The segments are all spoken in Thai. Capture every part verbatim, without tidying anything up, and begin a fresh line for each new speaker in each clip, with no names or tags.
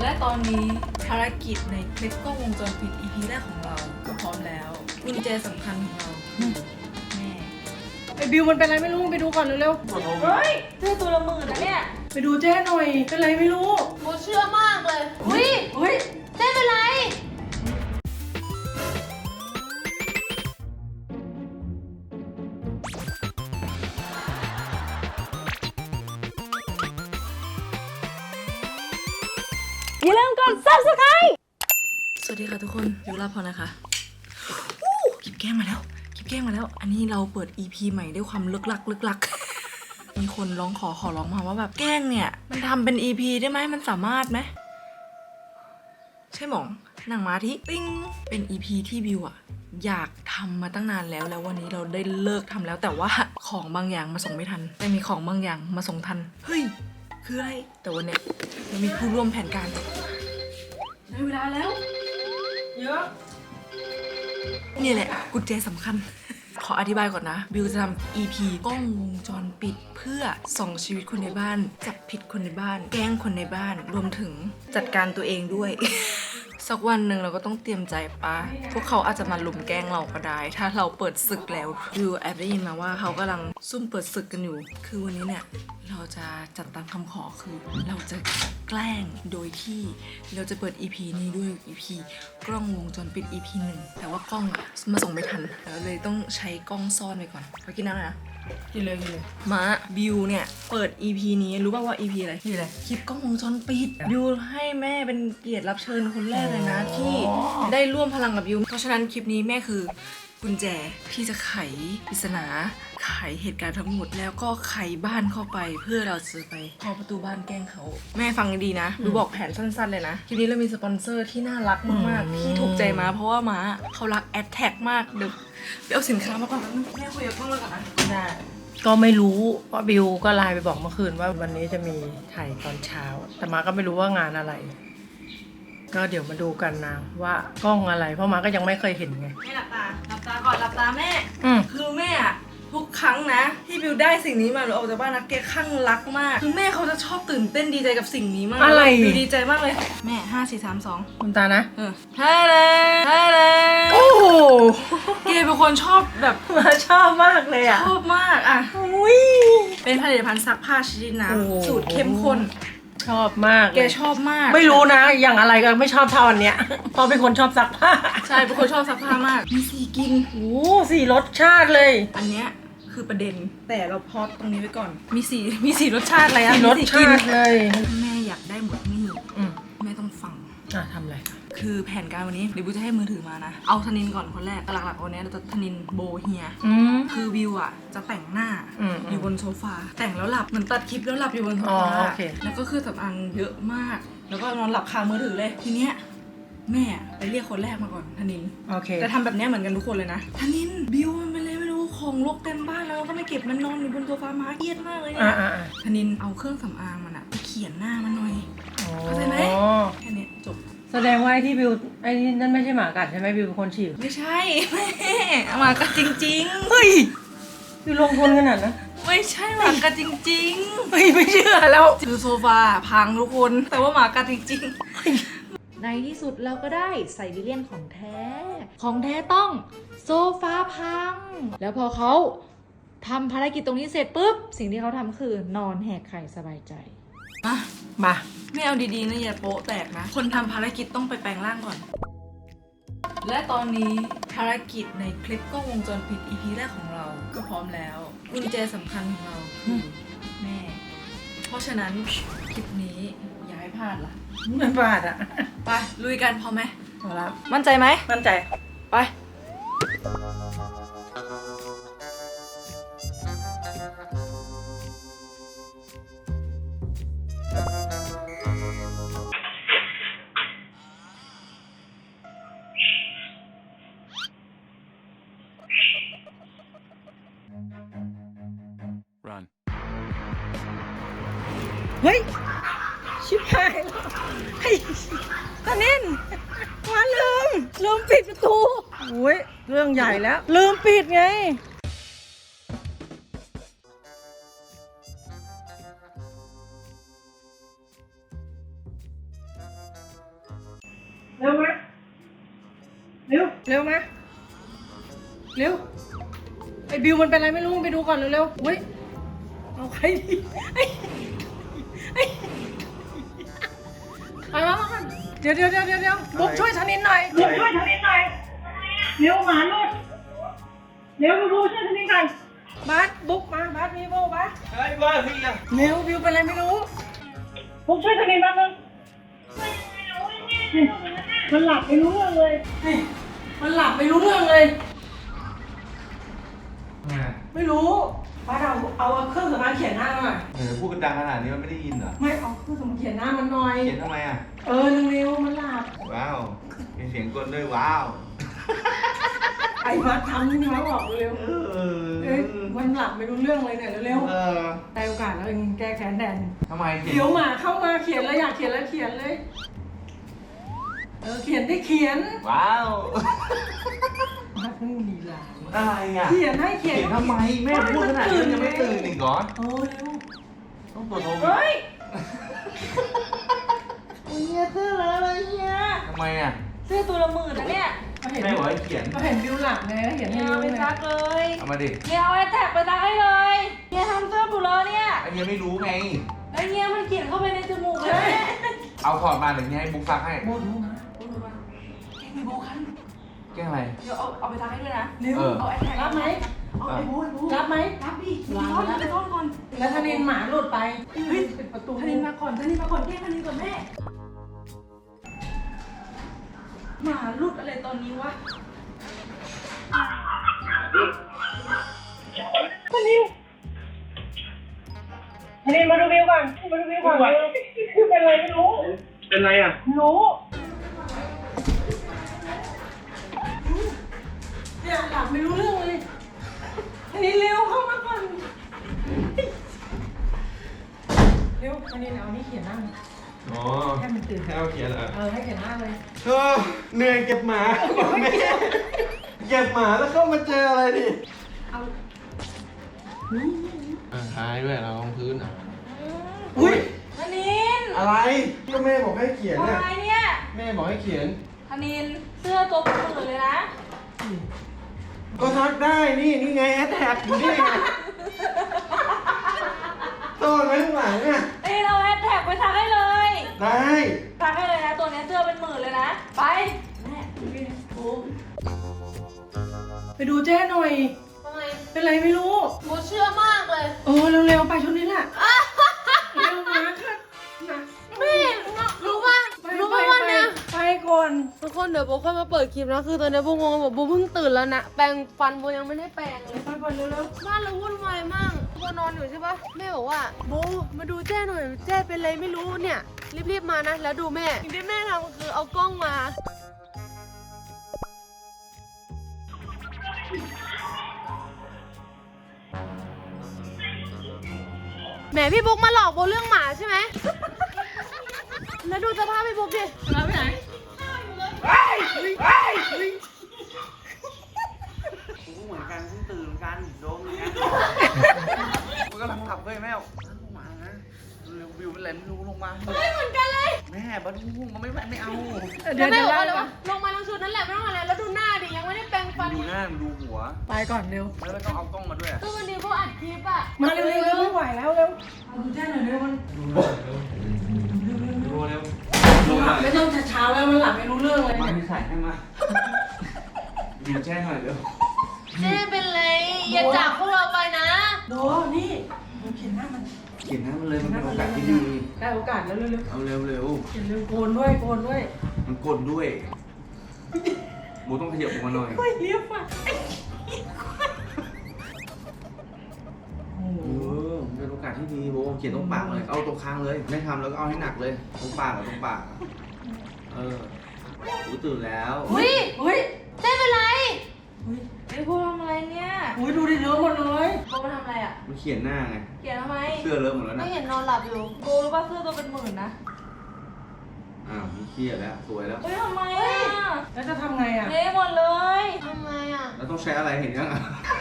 และตอนนี้ภารกิจในคลิปกล้องวงจรปิด อี พี แรกของเราก็พร้อมแล้วกุญแจสำคัญของเราแม่
ไอ้บิวมันเป็นอะไรไม่รู้ไปดูก่อนเร็วๆเฮ้ย
เสื้อตัวละหมื่นนะเนี่ย
ไปดูเจ้หน่อยเป็นไรไม่รู้
โมเชื่อมากเลยอุ้ย
เฮ้ย
เจ๊เป็นไรอย่าลืมกด ซับสไครบ์
สวัสดีค่ะทุกคนยูราพรนะคะคลิปแกล้งมาแล้วคลิปแกล้งมาแล้ว อันนี้เราเปิด อี พี ใหม่ด้วยความลึกลักลึกลัก มีคนร้องขอขอร้องมาว่าแบบแกล้งเนี่ยมันทำเป็น อี พี ได้ไหมมันสามารถไหมใช่หมองหนังมาที่ติ้งเป็น อี พี ที่บิวอะอยากทำมาตั้งนานแล้วแล้ววันนี้เราได้เลิกทำแล้วแต่ว่าของบางอย่างมาส่งไม่ทันแต่มีของบางอย่างมาส่งทันเฮ้ยคืออะไรแต่วันเนี้ยเรามีผู้ร่วมแผนการได้เวลาแล้วเยอะนี่แหละกุญแจสำคัญขออธิบายก่อนนะบิวจะทำ อี พี กล้องวงจรปิดเพื่อส่องชีวิตคนในบ้านจับผิดคนในบ้านแกล้งคนในบ้านรวมถึงจัดการตัวเองด้วย สักวันหนึ่งเราก็ต้องเตรียมใจปะพวกเขาอาจจะมาลุมแกล้งเราก็ได้ถ้าเราเปิดศึกแล้วบิวแอบได้ยินมาว่าเขากำลังซุ่มเปิดศึกกันอยู่คือวันนี้เนี่ยเราจะจัดตามคำขอคือเราจะแกล้งโดยที่เราจะเปิด อี พี นี้ด้วย อี พี กล้องวงจรปิด อี พี หนึ่งแต่ว่ากล้องอะมาส่งไม่ทันเราเลยต้องใช้กล้องซ่อนไปก่อนไปกินน้ำนะ
กินเลยกินเลย
มาบิวเนี่ยเปิด อี พี นี้รู้ป่าวว่า อี พี อะไร
นี่อะไร
คลิปกล้องวงจรปิดบิวให้แม่เป็นเกียรติรับเชิญคนแรกเลยนะที่ได้ร่วมพลังกับบิวเพราะฉะนั้นคลิปนี้แม่คือกุญแจที่จะไขปริศนาไขเหตุการณ์ทั้งหมดแล้วก็ไขบ้านเข้าไปเพื่อเราจะไปเคาะประตูบ้านแกล้งเขาแม่ฟังดีนะดูบอกแผนสั้นๆเลยนะคลิปนี้เรามีสปอนเซอร์ที่น่ารักมากๆที่ถูกใจมาเพราะว่าม้าเขารักแอดแท็กมากเดี๋ยวเดี๋ยวเอาสินค้ามาก่อนแม่คุยกับกล้องเลยก่อนนะ
ได้ก็ไม่รู้เพราะบิวก็ไลน์ไปบอกเมื่อคืนว่าวันนี้จะมีถ่ายตอนเช้าแต่มาก็ไม่รู้ว่างานอะไรก็เดี๋ยวมาดูกันนะว่ากล้องอะไรเพราะมาก็ยังไม่เคยเห็นไง
แม่หลับตาหลับตาก่อนหลับตาแม่
อืม
คือแม่อะทุกครั้งนะที่บิวได้สิ่งนี้มาหรือออกจากบ้านนะแกข้างรักมากคือแม่เขาจะชอบตื่นเต้นดีใจกับสิ่งนี้มาก
อะไร
บิวดีใจมากเลยแม่ห้าสี่สามสอง
คุณตานะ
เออใช่เลยใช่เลย
โอ้โห
แกเป็นคนชอบแบบ
มาชอบมากเลยอ่ะ
ชอบมากอ่ะ
อุ้ย
เป็นผลิตภัณฑ์ซักผ้าชนิดน้ำสูตรเข้มข้น
ชอบมาก
แกชอบมาก
ไม่รู้นะอย่างอะไรก็ไม่ชอบเท่าอันเนี้ยเพราะเป็นคนชอบซักผ้า
ใช่เป็นคนชอบซักผ้ามากมีสีกิน
โอ้สี่รสชาติเลย
อันเนี้ยคือประเด็นแต่เราพอตรงนี้ไว้ก่อนมีสีมีสีรสชาติอะไรอะ
สี่รสชาติเลย
แม่อยากได้หมดนี่แม่ต้องฟัง
อ่ะทำอะไร
คือแผนการวันนี้เดี๋ยวบิวจะให้มือถือมานะเอาธนินก่อนคนแรกหลักๆวันนี้เราจะธนินโบเฮียคือบิวอ่ะจะแต่งหน้าอยู่บนโซฟาแต่งแล้วหลับเหมือนตัดคลิปแล้วหลับอยู่บนโซฟาแล้วก็คือสำอางเยอะมากแล้วก็นอนหลับคามือถือเลยทีเนี้ยแม่ไปเรียกคนแรกมาก่อนธนินจะทำแบบนี้เหมือนกันทุกคนเลยนะธนินบิวมันเป็นอะไรไม่รู้ของรกเต็มบ้านแล้วก็ไม่เก็บมันนอนอยู่บนโซฟามาเครียดมากเลยเนี่ยธนินเอาเครื่องสำอางมันอะไปเขียนหน้ามันหน่อยเข้าใจไหมแค่นี้จบ
แสดงว่าไอ้ที่บิวไอ้นี่นั่นไม่ใช่หมากัดใช่ไหมบิวเป็นคนฉีด
ไม่ใช่แม่หมากัดจริงๆ
เฮ้ยบิวลงทุนขนาดนะ
ไม่ใช่หมากัดจริง
ๆไม่ไม่เชื่อแล้ว
คือโซฟาพังทุกคนแต่ว่าหมากัดจริง
ๆในที่สุดเราก็ได้ไซบีเรียนของแท้ของแท้ต้องโซฟาพังแล้วพอเขาทำภารกิจตรงนี้เสร็จปุ๊บสิ่งที่เขาทำคือนอนแหกไข่สบายใจ
มา
มา
ไม่เอาดีๆนะอย่าโป๊ะแตกนะคนทำภารกิจต้องไปแปลงร่างก่อนและตอนนี้ภารกิจในคลิปกล้องวงจรปิด อี พี แรกของเราก็พร้อมแล้วกุญแจสำคัญของเราคือแม่เพราะฉะนั้นคลิปนี้อย่าให้พลาดล่ะ
ไม่พลาดอ่ะ
ไปลุยกันพอไหม
พอแล้ว
มั่นใจไหม
มั่นใจ
ไป
เฮ้ยชิบหายแล้วเฮ้ยตาเน้นมาลืมลืมปิดประตูโอ้ยเรื่องใหญ่แล้วลืมปิดไงเร็วมาเร็วเร็วมาเร็วไอ้บิวมันเป็นอะไรไม่รู้ไปดูก่อนเร็วๆเฮ้ยเอาใครดีไอ้ไอ้ไปมามาเดี๋ยวเดี๋ยวเดี๋ยวเดี๋ยวบุ๊กช่วยธนินหน่อยบุ๊กช่วยธนินหน่อยเร็วหมาลุดเร็วบุ๊กช่วยธนินหน่อยบาสบุ๊กมาบาสมีโบบาส
เฮ้ยว่าพี่อะ
เร็วบิวเป็นอะไรไม่รู้บุ๊กช่วยธนินมาเร็วมันหลับไม่รู้เรื่องเลยนี่มันหลับไม่รู้เรื่องเลย ไม่รู้ป้าเอาเอาเครื่องสำอางเขียนหน้าหน่อย
เออพูดกันดังขนาดนี้มันไม่ได้ยินเหรอ
ไม่เอาเครื่องสำอางเขียนหน้ามันหน่อย
เขียนทำไมอ่ะ
เออเร็วๆมันหลับ
ว้าวมีเสียงกลด้วยว้าว
ไอ้มาทำนี่มาบอกเร็ว
เอ
ๆเอ้ยมันหลับไม่รู้เรื่องเลยเนี่ยเร็ว
เออ
ๆได้โอกาสแล้วเองแก้แค้นแทน
ทำไมเขียน
เดี๋ยวหมาเข้ามาเขียนแล้วอยากเขียนแล้วเขียนเลยเออเขียนได้เขียน
ว้าว
มาเพิ่งลีลา
อะไรอ่ะ
เขียนให้เขียน
เขียนทำไมแม่พูดขนาดนี้ยังไม่ตื่นอีกเหรอ
โอ้เร็ว
ต้องตัวโทร
เฮ้ย
เฮียเสื้ออะไรเฮีย
ทำไมอ่ะ
เสื้อตัวละหมื่นนะเนี่ย
เขาเห็น
แม่บอกให้เขียน
เขาเห็นบิวหลับไงเขาเขียนให้
เฮีย
บิ
เอา
ว
ไป
ไง
ซักเลย
เอามาดิ
เฮียเอาไอ้แท็กไปซักให้เลยเฮียทำเสื้อบุเลยเนี่ย
ไอ้เฮียไม่รู้ไง
ไอ้เฮียมันเขียนเข้าไปในจมูกเลย
เอาถอดมาหรือให้บุ๊กซักให้
โบดูนะ
โอ้โหมาแกงมีโบคัน
แกล้งอะไร
เดี๋ยวเอาเอาไปซักให้ด้วยนะ
เร็ว
เออ
เอาไอ้แท็ก
รับไหม
เอาไอ้โบไอ้โบ
รับไหม
รับดิซ่อนไปซ่อนก่อน
แล้วธนินหมาหลุดไป
เฮ้ย
ปิดประตู
ธนินมาก่อนธนินมาก่อนแกล้งธนินก่อนแม่หมาหลุดอะไรตอนนี้วะ
ธนินธนินมาดูวิวก่อนมาดูวิวก่อนคือเป็นอะไรไม่รู้
เป็นไรอ่ะ
รู้เนี่ยหลับไม่รู้เรื่องเลยธนินเร็วเข้ามาก่อนเร็วธนินเอานี่เขียนหน้ามัน
อ๋อ
ให้มันตื่น
ให้เอาเขียนเหรอ
เออให้เขียนหน้าเลย
เออเหนื่อยเก็บหมาแม่เก็บหมาแล้วเข้ามาเจออะไรดิ
เอา
หายด้วยเราลงพื้นอ่ะ
อุ้ย
ธนิน
อะไรก็แม่บอกให้เขียน
อะ
น่ะ
ไรเนี่ย
แม่บอกให้เขียน
ธนินเสื้อตัวเป็นหมื่นเลยนะ
ก็ทักได้นี่นี่ไงแอดแท็กอยู่นี่ไงซ่อนไว้ข้างหลังอ่ะ
เอ้ยเราแฮชแท็กไปซักให้เลย
ได้
ซักให้เลยนะตัวเนี้ยเสื้อเป็นหมื่นเลยนะไปแม่โอ้
ไปดูเจ้หน่อย
ทำไม
เป็นไรไม่รู้
โมเชื่อมากเลย
เออเร็วๆไปชุดนี้แหละเร็วมาค่ะนะ
แม่รู้ป่ะ
ไป
รู้
ไป
ป่ะวัน
ไป
เนี้ย
ไปก่อน
ทุกคนเดี๋ยวโบค่อยมาเปิดคลิปนะคือตอนนี้โบงงแบบโบเพิ่งตื่นแล้วนะแปรงฟันโบยังไม่ได้แปรงเลย
ไปก่อนเร็ว
บ้านเราวุ่นวายมากโบนอนอยู่ใช่ปะแม่บอกว่าโบมาดูแจ้หน่อยแจ้เป็นไรไม่รู้เนี่ยรีบๆมานะแล้วดูแม่สิ่งที่แม่ทำคือเอากล้องมาแหมพี่บุ๊กมาหลอกโบเรื่องหมาใช่ไหม แล้วดูสภาพพี่บุ๊กดิ
ๆแล้วไปไหน
กูเหมือนกันเพิ่งตื่นกันโดนเหมือนกันกูกำลังหลับเว้ยแม่ลงมานะเร็ววิวเป็นไรไม่รู้ลงมา
ไม่เหมือนกันเลย
แม่บ้าลูกมันไม่ไม่เอา
เดี๋
แล้
ยว ว
แม่
เดี๋ยว
บอกว่าอะไร
ไล่
วะลงมาลงชุดนั่นแหละไม่ต้องอะไรแล้วดูหน้าดิยังไม่ได้แปรงฟัน
ดูหน้ามันดูหัว
ไปก่อนเร็ว
แล้วไม่ต้องเอากล้องมาด้วย
คือวันนี้พวกอัดคลิปอะ
มาเร็วๆเร็วไม่ไหวแล้วเร็วเอาดูแจ้หน่อยเร็วมัน
ดูเร็ว
หลับไม่ต้องเช้าๆแล้วมันหลับไม่รู้เรื่องเลย
มา
เนี่ย
ที่ใส่ให้มาดูแจ้หน่อยเร็ว
เจ๊เป็นไรอย่าจากพวกเราไปนะ
โดนี่ดูเขียนหน้ามัน
เขียนหน้ามันเลยมันเป็นโอกาสที่ดี
ได้โอกาสแล้วเร็ว
เอาเร็วเร็ว
ๆเขียนเร็วโกนด้วยโกนด้วย
มันกดด้วยโบต้องขยับออกมาหน่อย
เฮ้ยเรียบอ่ะโอ้โห
เออมันเป็นโอกาสที่ดีโบเขียนตรงปากเลยเอาตรงคางเลยไม่ทำแล้วก็เอาให้หนักเลยตรงปากกับตรงปากเออกูตื่นแล้ว
อุ้ย
เฮ้ย
เจ๊เป็นไร
เฮ้ย
ไอ้พวกทำอะไรเนี่ย
โอ้ยดูดิเลอะหมดเลย
โบมาทำอะไรอ่ะ
มันเขียนหน้าไง
เขียนทำไม
เสื้อเลอะหมดแล้ว
ไม่
นะ
เห็นนอนหลับอยู่
โบรู้ป่ะเสื้อตัวเป็นหมื่นนะ
อ้าวมีเครียดแล้วสวยแล้ว
เฮ้ยทำไมอ่ะ
แล้วจะทำไงอ่ะ
เละหมดเลย
ทำไมอะ
แล้วต้องใช้อะไรเห็นยังอ่ะ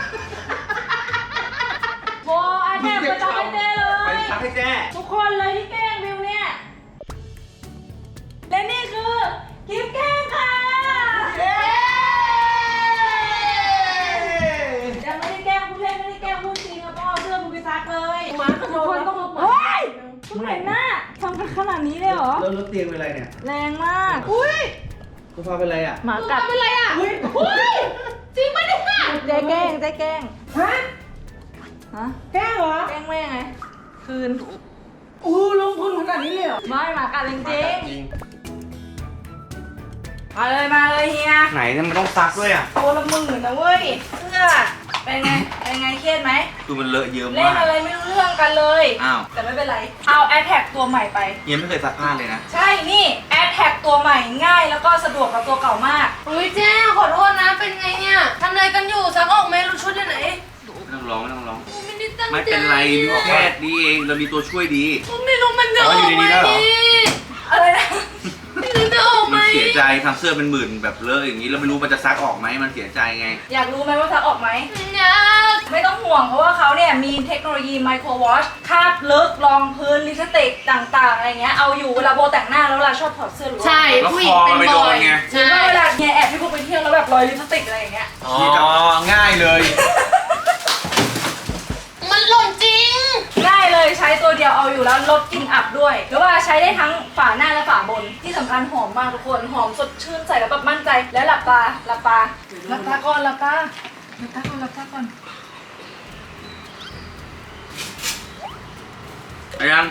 โบไอ้แท็กไปซักให้เจ้เล
ไป
ย
ซักให้แจ้
ทุกคนเลยที่แกล้งบิวเนี่ย และนี่คือคลิปแกล้
แล้วรถเตียงเป็นไรเนี่ย
แรงมากอุ้ย
โซฟาเป็นไรอ่ะ
หมากัด
เป็นไรอ่ะอุ้ยจริงปะเนี่ย
เจ๊แกล้งเจ๊แกล้ง
ฮะ
ฮะ
แกล้งเหรอ
แกล้งแม่ไงคืน
อู้ลงทุนขนาดนี้เลยเหรอ
ไม่หมากัดจริง
จริง
ๆมาเลยมาเลยเฮีย
ไหนเนี่ยมันต้องซักด้วยอ่ะ
ตัวละหมื่นนะเว้ยเสื้อเป็นไงเป็นไงเครียดไหม
คือมันเลอะเยอะ
เล่
มาน ก
อะไรไม่รู้เรื่องกันเลย
อ้าว
แต่ไม่เป็นไรเอาแอ t แท็กตัวใหม่ไป
เยังไม่เคยซักผ้าเลยนะ
ใช่นี่แอ t แท็กตัวใหม่ง่ายแล้วก็สะดวกกับตัวเก่ามาก
อุ้ยเจ๊ขอโทษนะเป็นไงเนี่ยทำอะไรกันอยู่ซักออกไหมรู้ชุดอยู่ไหน
ไม่ต้องร้องไม่ต้องร้อง
ไม่ได้ตั้งใจ
ไม่เป็นไรมีแค่ดีเองเรามีตัวช่วยดี
ไม่รู้มันจะออกไหม
อ๋ออยู่ในนี้แล้วเหรอ
อะไรนะ
ไม่รู้จะออกไหม
มันเสียใจทำเสื้อเป็นหมื่นแบบเลอะอย่างนี้แล้วไม่รู้มันจะซักออกไหมมันเสียใจไง
อยากรู้ไหมว่าซักออกไหม
อยาก
ไม่ต้องห่วงเพราะว่าเขาเนี่ยมีเทคโนโลยีไมโครวอชคราบลึกรองพื้นลิปสติกต่างๆอะไรเงี้ยเอาอยู่เวลาโบแต่งหน้าแล้วเวลาชอบถอดเสื้อหรือว่า
ใช่
แล้ว
ผู้หญิง
คอ
เป็น
มันไป
บ
โด
อน ย
ไง
หรือ
ใช่
ว่าเวลาเนี่ยแอบพี่พวกไปเที่ยวแล้วแบบรอยลิปสติกอะไรอย่างเงี้ย
อ๋อ ง่ายเลย
มันหล่นจริง
ง่ายเลยใช้ตัวเดียวเอาอยู่แล้วลดกลิ่นอับด้วยหรือว่าใช้ได้ทั้งฝาหน้าและฝาบนที่สำคัญหอมมากทุกคนหอมสดชื่นใส่แล้วแบบมั่นใจแล้วหลับตาหลับตาหลับตาก่อนหลับตาหลับตาก่อนหลับตาก่อน
อายัง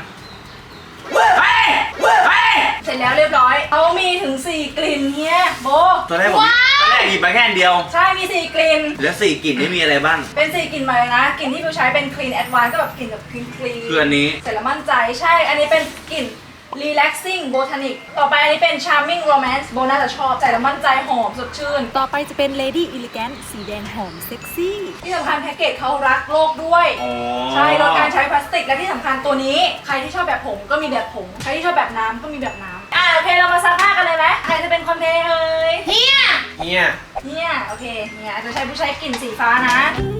เสร็จแล้วเรียบร้อยเขามีถึงสี่กลิ่นเฮียโบ
ตอนแรกผมตอนแรกหยิบไปแค่อันเดียว
ใช่มีสี่กลิ่น
แล้วสี่กลิ่นนี่มีอะไรบ้าง
เป็นสี่กลิ่นใหม่เลยนะกลิ่นที่บิวใช้เป็น clean advance ก็แบบกลิ่นแบบ clean clean
คืออันนี้
เสร็จแล้วมั่นใจใช่ อันนี้เป็นกลิ่น relaxing botanic ต่อไปอันนี้เป็น charming romance โบน่าจะชอบใส่แล้วมั่นใจหอมสดชื่น
ต่อไปจะเป็น Lady Elegant สีแดงหอมเซ็กซี่
ที่สำคัญแพ็กเกจเขารักโลกด้วย
อ๋อ
ใช่ลดการใช้พลาสติกและที่สำคัญตัวนี้ ใครที่ชอบแบบผงก็มีแบบผง ใครที่ชอบแบบน้ำก็มีแบบน้ำอ่ะโอเคเรามาซักผ้ากันเลยไหมใครจะเป็นคนเทเอ่ย
เฮีย
เฮีย
เนี่ยโอเคเนี่ยจะใช้ผู้ใช้กลิ่นสีฟ้านะ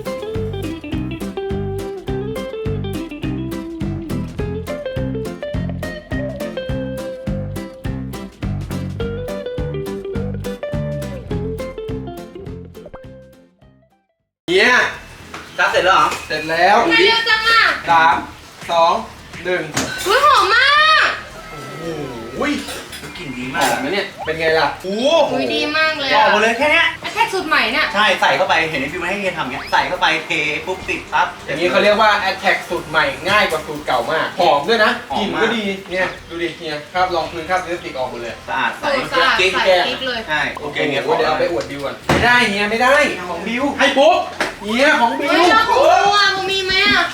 เฮียซักเสร็จแล้วเหรอ เสร็จแล้ว
ไม่เร็วจังอ่ะ
สามสองหนึ่ง
อุ้ยหอมมาก
โอ้ยกลิ่นดีมากนะเนี่ย เป็นไงล่ะ โอ้
อุ้ยดีมากเลย
ออ
อ่ะ
กหมดเลยแค่เนี้ย
แท็กสูตรใหม่เนี่ย
ใช่ใส่เข้าไปเห็นไอ้ฟิวมาให้เฮียทำเงี้ยใส่เข้าไปเทปุ๊บติดปั๊บ
อย่างนี้เขาเรียกว่า Attack สูตรใหม่ง่ายกว่าสูตรเก่ามาก หอมด้วยนะ
หอม
กลิ่น
มาก
ก็ดี เนี่ยดูดิเนี่ยคราบรองพื้นคราบลิปสติกออกหมดเลย
สะอาดใส
สูตรสะอาด
กิ๊ก
ใส่
แก้ม
กิ๊กเลย
ใช่โอเคเฮีย
โอ้โหเดี๋ยวเอาไปอวดบิวก่อนไม่ได้เฮียไม่ได้
ของบิว
ให้ปุ๊บเฮียของบิ
เฮ้
วย
แล้วของกูอ่ะมึงมีไหมอ่ะ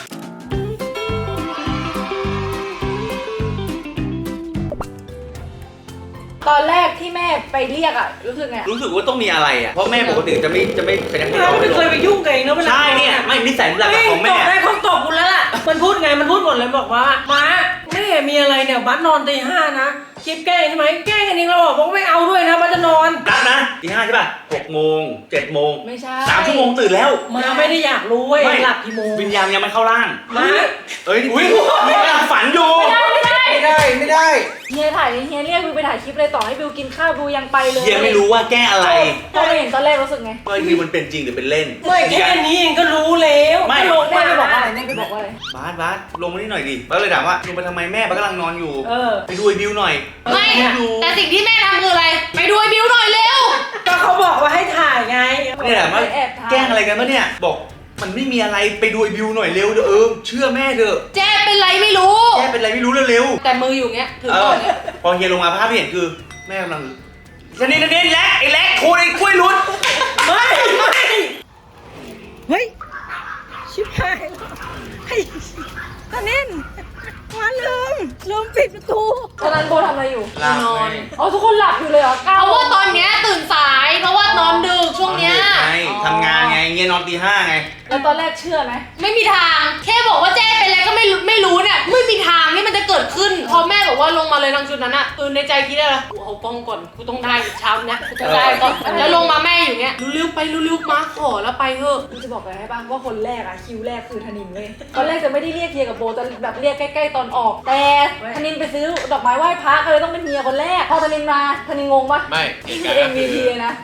ตอนแรกที่แม่ไปเรียกอะรู้สึกไง
รู้สึกว่าต้องมีอะไรอ่ะ เพราะแม่ปกติจะไม่จะไม่เป็นอย่างนี้
เราไม่เคยไปยุ่งกับเองนะเวลา
ใช่เนี่ยไม่นิสัยหลัก
เฮ้ย
ของ
ต
แม่
บได้คนตบกูแล้วล่ะ มันพูดไง มันพูดหมดเลยบอกว่ามาแม่มีอะไรเนี่ยบัสนอนตีห้านะคลิปแกล้งใช่ไหมแกล้งกันเองเราบอกว่าไม่เอาด้วยนะบัสจะนอน
นัดนะตีห้าใช่ป่ะหกโมงเจ็ดโมง
ไม่ใช่
สามชั่วโมงตื่นแล้ว
มาไม่ได้อยากรู้เว้ย
ไม่
หลับกี่โมง
วิญญาณยังไม่เข้าร่าง
มา
เอ้ยอุ้ยนี่กำลังฝันอยู่
ไม่ได้
ไม่ได้ไม่ได้
เฮียถ่ายเฮียเรียกบิวไปถ่ายคลิปเลยต่อให้บิวกินข้าวบิวยังไปเลย
เฮียไม่รู้ว่าแก้อะไร
พอไปเห็นตอนแรกรู้สึกไง
ว่าคือมันเป็นจริงหรือเป็นเล่น
ไม่แค่นี้เองก็รู้แล้ว
ไม่
ก็ลง
แม่
มา
ไปบอกว่าอะไรแม่ไปบอกว่าอะไร
บาสบาสลงมานี่หน่อยดิบาสเลยถามว่าลงมาทำไมแม่บาสกำลังนอนอยู่
เออ
ไปดูไอ้บิวหน่อย
ไม่
ดู
แต่สิ่งที่แม่ทำคืออะไร ไปดูไอ้บิวหน่อยเร็ว
ก็เขาบอกว่าให้ถ่ายไง
เนี่ยถามว่า
แอบถ่าย
แกล้งอะไรกันปะเนี่ยบอกมันไม่มีอะไรไปดูไอ้บิวหน่อยเร็วเออเชื่อแม่เถอะ
เจ๊เป็นไรไม่รู้
แกเป็นอะไรไม่รู้เร็วๆ
แต่มืออยู่เงี้ยถือ
เอ
ก่
อ
อนเนี่ย
พอเฮียลงมาภาพที่เห็นคือแม่กำลังชนิดนี้แล็กไอ้แล็กโคตรไอ้กล้วยลุ้น
ไม่ไม่เฮ้ยชิบหายแล้วไอ้ตาเน่นมาลืมลืมปิดประตู
ตอนนั้นโบทำอะไรอยู่
หลับ
นอน
อ๋อทุกคนหลับอยู่เลยเหรอ
เพ
เก้า
ราะว่าตอนเนี้ยตื่นสาย เพราะว่านอนดึกช่วงเนี้ย
ไงทำงานไงเงี้ยนอนตีห้าไง
แล้วตอนแรกเชื่อไหม
ไม่มีทาง แค่บอกว่าเจ๊เป็นอะไรก็ไม่รู้ไม่รู้เนี่ยไม่มีทางที่มันจะเกิดขึ้น พอแม่บอกว่าลงมาเลยทางชุดนั้นอะคือในใจคิดอะไรกูเอากล้องก่อนกูต้องได้เช้าเนี้ยกูต้องได้ก่อนแล้วลงมาแม่อยู่เงี้ยเร็วๆไปเร็วๆมาขอแล้วไปเถอะ
กูจะบอกอะไรให้ป่ะว่าคนแรกอะคิวแรกคือธนินเลยตอนแรกจะไม่ได้เรียกเฮียกับโบแต่แบบเรียกใกล้ๆตอนออก แต่ธนินไปซื้อดอกไม้ไหว้พระก็เลยต้องเป็นเฮียคนแรก พอธนินมาธนินงงปะ
ไม่
นี่คือ เอ็ม วี พี เลยนะ
ไปซื้อ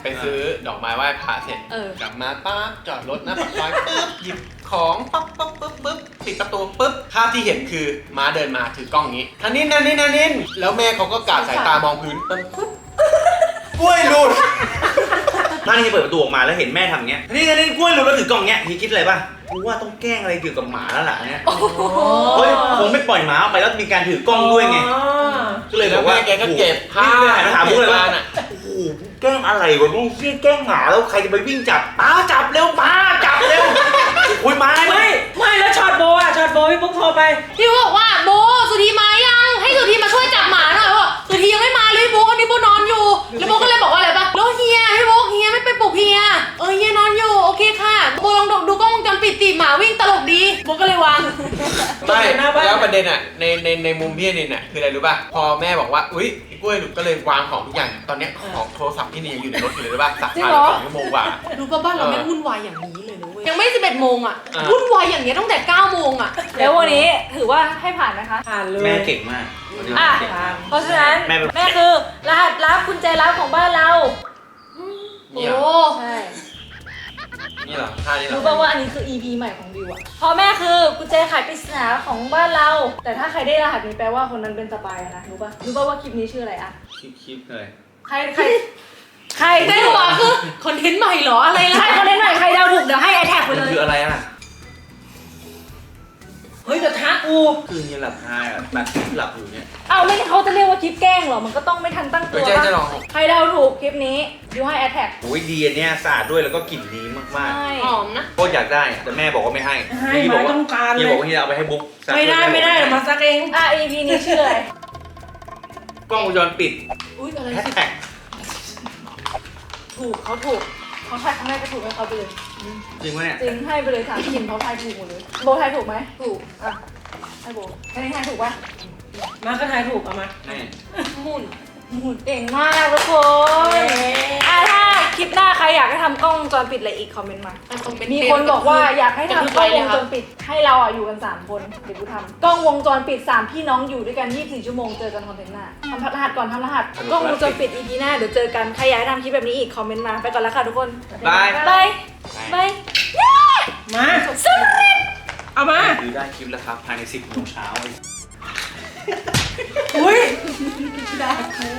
ดอกไม้ไหว้พระเสร็จ
เออ
กลับมาปั๊บจอดรถหน้าปากซอยปึ๊บหยิบของปั๊บปั๊บปั๊บปั๊บปิดประตูปุ๊บภาพที่เห็นคือม้าเดินมาถือกล้องนี้ทันนินทันนินทันนินแล้วแม่เขาก็กาดสายตามองพื้นปุ๊บกล้วยหลุด
ถ้านี่เปิดประตูออกมาแล้วเห็นแม่ทำอย่างเงี้ยนี่นี่กล้วยหลุดแล้วถือกล่องเงี้ยพี่คิดอะไรป่ะกูว่าต้องแกล้งอะไรเกี่ยวกับหมาแล้วล่ะเนี่ยเฮ้ยคงไม่ปล่อยหมาออกไปแล้วมีการถือกล้องด้วยไงก็เลยบ
แล้
อ
ว
กว่า
แม่แกก็เก็บผ้า
นี่เลยถามพวกเลยว่า
น่ะ
โอ้โหแกล้งอะไรวะมึงแกล้งหมาแล้วใครจะไปวิ่งจับป้าจับเร็วป้าจับเร็วคุยมา
ไม่ไม่แล้วช็อตโบอ่ะช็อตโบพี่ปุ๊กโทรไป
พี่บอกว่าโบสุธีมายังให้สุธีมาช่วยจับหมาหน่อยว่าสุธียังไม่มาเลยพี่โบอันนี้โบนอนอยู่แล้วโบก็เลยบอกว่าอะไรปะแล้วเฮียพี่โบเฮียไม่ไปปลุกเฮียเออเฮียนอนอยู่โอเคค่ะโบลองดูกล้องวงจรปิดตีหมาวิ่งตลกดีโบก็เลยวาง
ไม่แล้วประเด็นอ่ะในในในมุมพี่นินอ่ะคืออะไรรู้ป่ะพอแม่บอกว่าอุ้ยกล้วยหลุดก็เลยวางของทุกอย่างตอนเนี้ยของโทรศัพท์พี่นินยังอยู่ในรถอยู่เลยรู้ป่ะสักพักสองชั่วโมงกว่า
รู้ป่ะบ้านเราแม่งวุ่นวายอย่างนี้เลยนะเว้ยยังไม่สิบเอ็ดโมงอ่ะ
อ่า
วุ่นวายอย่างเงี้ยตั้งแต่เก้าโมงอ่ะ
แล้ววันนี้ถือว่าให้ผ่านไหมคะ
ผ่านเลย
แม่เก่งมาก
อ่ะ
เก่งมาก
เพราะฉะนั้น
แม่เป็น
แม่คือรหัสลับกุญแจลับของบ้านเรา
โอ้
เนี่ย
ใช่
นี่เหรอท่านี้เหรอ
รู้ป่าวว่าอันนี้คือ อี พี ใหม่ของบิวอะเพราะแม่คือกุญแจไขปริศนาของบ้านเรา แต่ถ้าใครได้รหัสนี้แปลว่าคนนั้นเป็นสปายนะรู้ป่ะรู้ป่ะว่าคลิปนี้ชื่ออะไรอะ
คลิปคลิปเลย
ใครใครใคร
ใน
ได้
หั
หั
ว
ว
คือคอนเทนต์ใหม่เหรออะไรล่ะ
ใครคนเล่นใหม่ใครเดาถูกเดี๋ยวให้ไอแท็กไป
มัน
เลย
คืออะไรอ่ะ
เฮ้ยกระทะกู
คือยังหลับคาอ่ะแบบหลับอยู่เนี่ย
เอาไม่เขาจะเรียกว่าคลิปแกล้งเหรอมันก็ต้องไม่ทันตั้งตั
เฮ้
วย
เจ๊จะล
ป่ะ
อง
ใครเดาถูกคลิปนี้บิวให้ไอแท็ก
โอ้ยดีอันเนี้ยสะอาดด้วยแล้วก็กลิ่นดีมาก
ใช่
หอมนะ
ๆโคตรอยากได้อะแต่แม่บอกว่าไม่ให้
ให้
พี่บ
มา
อกว่า
ต้องการเล
พี่
ย
บอกว่าที่จะเอาไปให้บุ๊กซัก
ไม่ได้ไม่ได้เดี๋ยวมาซักเอง
อ่ะ อี พี นี้ชื่ออะไร
กล้องวงจรปิด
อุ้ยอะไร
แฮช
สิ
แท็ก
ถูกเขาถูกเขาทายครั้งแรกก็ถูกให้เขาไปเลย
จริงปะเนี่ย
จริงให้ไปเลยถามกินเขาทายถูกหมดเลยโบทายถูกไหมถูกอ่ะให้โบแค่นี้ทายถูกป่ะ
มาก็ทายถูกเอามา
นี่
มุ่น
หมุนเก่งมากทุกคนอ่ะถ้าคลิปหน้าใครอยากให้ทำกล้องวงจรปิดอะไรอีกคอมเมนต์มา
แต่คอมเมนต์
มีคนบอกว่าอยากให้ทำกล้องวงจร
ปิด
ปิดให้เราอ่ะอยู่กันสามคนเดี๋ยวกูทำกล้องวงจรปิดสามพี่น้องอยู่ด้วยกันยี่สิบสี่ชั่วโมงเจอกันคอนเทนต์หน้าทำรหัสก่อนทำรหัสกล้องวงจรปิด อี พี หน้าเดี๋ยวเจอกันใครอยากให้ทำคลิปแบบนี้อีกคอมเมนต์มาไปก่อนแล้วค่ะทุกคน
บาย
บายบาย
มา เอามา
คือได้คลิปแล้วครับภายในสิบโมงเช้า
อุ้ย
ได้